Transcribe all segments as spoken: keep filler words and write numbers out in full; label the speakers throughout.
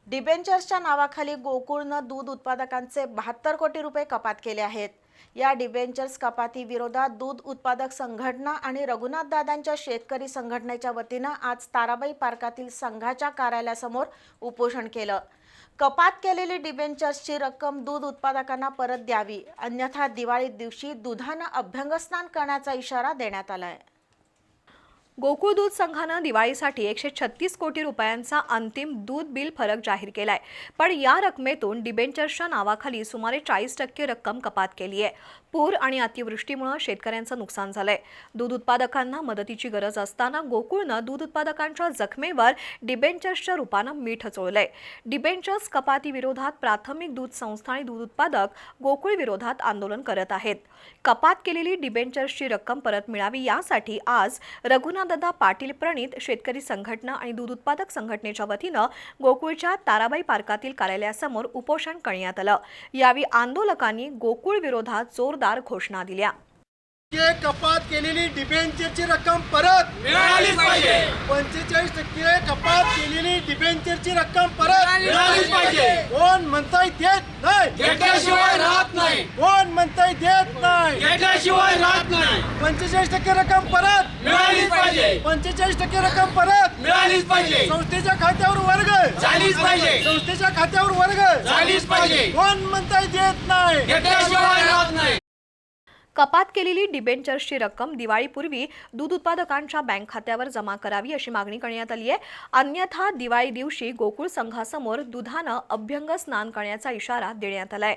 Speaker 1: डिबेंचर्सच्या नावाखाली गोकुळनं दूध उत्पादकांचे बहात्तर कोटी रुपये कपात केले आहेत। या डिबेंचर्स कपाती विरोधात दूध उत्पादक संघटना आणि रघुनाथ दादांच्या शेतकरी संघटनेच्या वतीनं आज ताराबाई पार्कातील संघाच्या कार्यालयासमोर उपोषण केलं। कपात केलेली डिबेंचर्सची रक्कम दूध उत्पादकांना परत द्यावी, अन्यथा दिवाळी दिवशी दुधानं अभ्यंगस्नान करण्याचा इशारा देण्यात आलाय।
Speaker 2: गोकुळ दूध संघानं दिवाळीसाठी एकशे छत्तीस कोटी रुपयांचा अंतिम दूध बिल फरक जाहीर केलाय, पण या रकमेतून डिबेंचर्सच्या नावाखाली सुमारे चाळीस टक्के रक्कम कपात केली आहे। पूर आणि अतिवृष्टीमुळे शेतकऱ्यांचं नुकसान झालंय। दूध उत्पादकांना मदतीची गरज असताना गोकुळनं दूध उत्पादकांच्या जखमेवर डिबेंचर्सच्या रूपानं मीठ चोळलंय। डिबेंचर्स कपाती विरोधात प्राथमिक दूध संस्था आणि दूध उत्पादक गोकुळ विरोधात आंदोलन करत आहेत। कपात केलेली डिबेंचर्सची रक्कम परत मिळावी यासाठी आज रघुनाथ दादा पाटील प्रणित शेतकरी संघटना आणि दूध उत्पादक संघटनेच्या वतीनं गोकुळच्या ताराबाई पार्कातील कार्यालयासमोर उपोषण करण्यात आलं। यावेळी आंदोलकांनी गोकुळ विरोधात जोरदार घोषणा दिल्या।
Speaker 3: कपात केलेली डिबेंचरची रक्कम परत
Speaker 4: मिळालीच पाहिजे।
Speaker 3: पंचेचाळीस टक्के कपात केलेली डिबेंचरची रक्कम परत
Speaker 4: मिळालीच पाहिजे।
Speaker 3: कोण म्हणताय देत नाही,
Speaker 4: घेतल्याशिवाय राहत नाही।
Speaker 3: कोण म्हणताय देत नाही,
Speaker 4: घेतल्याशिवाय राहत नाही।
Speaker 3: पंचेचाळीस टक्के रक्कम परत
Speaker 4: मिळालीच पाहिजे।
Speaker 3: पंचेचाळीस टक्के रक्कम परत
Speaker 4: मिळालीच पाहिजे।
Speaker 3: संस्थेच्या खात्यावर वर्ग
Speaker 4: झालीच पाहिजे।
Speaker 3: संस्थेच्या खात्यावर वर्ग
Speaker 4: झालीच पाहिजे।
Speaker 3: कोण म्हणताय देत नाही,
Speaker 4: घेतल्याशिवाय राहत नाही।
Speaker 2: कपात केलेली डिबेंचर्सची रक्कम दिवाळीपूर्वी दूध उत्पादकांच्या बँक खात्यावर जमा करावी अशी मागणी करण्यात आली आहे। अन्यथा दिवाळी दिवशी गोकुळ संघासमोर दुधानं अभ्यंग स्नान करण्याचा इशारा देण्यात आलाय।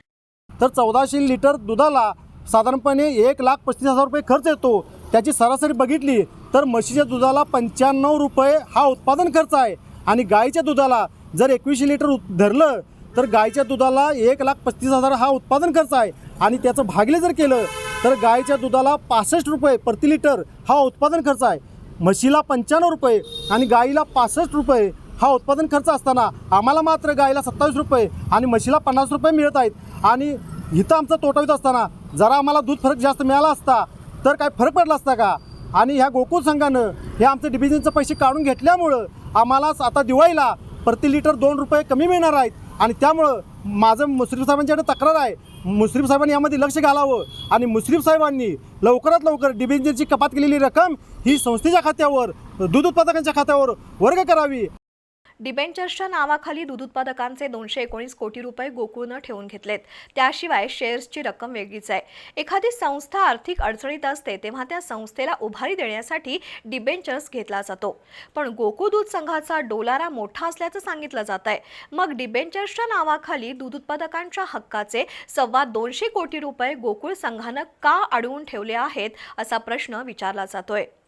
Speaker 3: तर चौदाशे लिटर दुधाला साधारणपणे एक लाख पस्तीस हजार रुपये खर्च येतो। त्याची सरासरी बघितली तर म्हशीच्या दुधाला पंच्याण्णव रुपये हा उत्पादन खर्च आहे आणि गाईच्या दुधाला जर एकवीसशे लिटर धरलं तर गाईच्या दुधाला एक लाख पस्तीस हजार हा उत्पादन खर्च आहे आणि त्याचं भागले जर केलं तर गाईच्या दुधाला पासष्ट रुपये प्रति लिटर हा उत्पादन खर्च आहे। म्हशीला पंच्याण्णव रुपये आणि गाईला पासष्ट रुपये हा उत्पादन खर्च असताना आम्हाला मात्र गाईला सत्तावीस रुपये आणि म्हशीला पन्नास रुपये मिळत आहेत आणि इथं आमचा तोटा होत असताना जरा आम्हाला दूध फरक जास्त मिळाला असता तर काय फरक पडला असता का? आणि ह्या गोकुळ संघानं हे आमचे डिव्हिजनचे पैसे काढून घेतल्यामुळं आम्हाला आता दिवाळीला प्रति लिटर दोन रुपये कमी मिळणार आहेत आणि त्यामुळं माझं मुश्रीफ साहेबांच्याकडे तक्रार आहे, मुश्रीफ साहेबांनी यामध्ये लक्ष घालावं आणि मुश्रीफ साहेबांनी लवकरात लवकर डिबेंचरची कपात केलेली रक्कम ही संस्थेच्या खात्यावर दूध उत्पादकांच्या खात्यावर वर्ग करावी।
Speaker 2: डिबेंचर्सच्या नावाखाली दूध उत्पादकांचे दोनशे एकोणीस कोटी रुपये गोकुळनं ठेवून घेतलेत। त्याशिवाय शेअर्सची रक्कम वेगळीच आहे। एखादी संस्था आर्थिक अडचणीत असते तेव्हा त्या संस्थेला उभारी देण्यासाठी डिबेंचर्स घेतला जातो, पण गोकुळ दूध संघाचा डोलारा मोठा असल्याचं सांगितलं जात आहे। मग डिबेंचर्सच्या नावाखाली दूध उत्पादकांच्या हक्काचे सव्वा दोनशे कोटी रुपये गोकुळ संघानं का अडवून ठेवले आहेत असा प्रश्न विचारला जातोय।